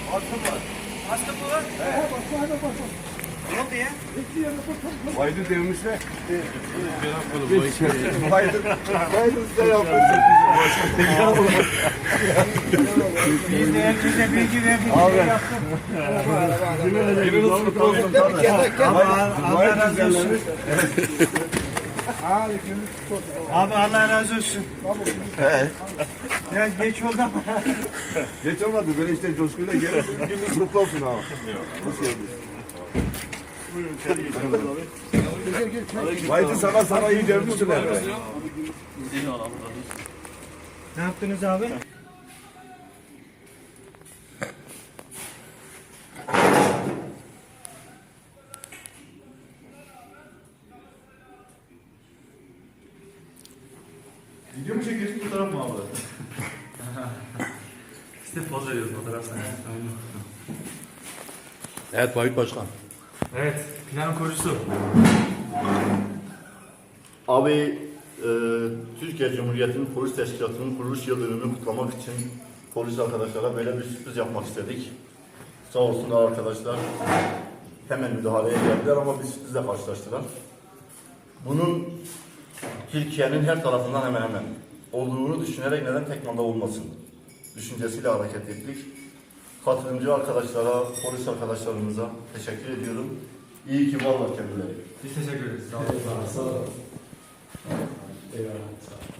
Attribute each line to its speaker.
Speaker 1: Astım var.
Speaker 2: Astım mı var? Ne oldu ya?
Speaker 1: Baydı demişler. Baydı size yapmışsın.
Speaker 2: Biz de herkese bilgi verdik.
Speaker 1: Abi.
Speaker 2: Yaptık.
Speaker 1: Biriniz kutlu olsun.
Speaker 2: Allah razı olsun. Abi Allah razı olsun. Biraz geç oldu ama.
Speaker 1: Geç olmadı. Böyle işte coşkuyla gelin. Gününüz kutlu olsun abi. Hoş geldiniz. Baydı sana iyi demişsin herhalde.
Speaker 2: Ne yaptınız abi?
Speaker 3: Video mu çekiyorsun, fotoğraf mı abi? İşte poz veriyoruz fotoğraf sana.
Speaker 4: Evet Vahit Başkan.
Speaker 3: Evet, planın kurucusu.
Speaker 4: Abi Türkiye Cumhuriyeti'nin polis teşkilatının kuruluş yıl dönümünü kutlamak için polis arkadaşlara böyle bir sürpriz yapmak istedik. Sağ olsunlar arkadaşlar. Hemen müdahaleye geldiler ama bir sürprizle karşılaştılar. Bunun Türkiye'nin her tarafından hemen hemen olduğunu düşünerek neden Tekman'da olmasın düşüncesiyle hareket ettik. Katılımcı arkadaşlara, polis arkadaşlarımıza teşekkür ediyorum. İyi ki varlar kendileri.
Speaker 3: Biz teşekkür ederiz. Sağ olun.
Speaker 4: Sağ olun. Eyvallah.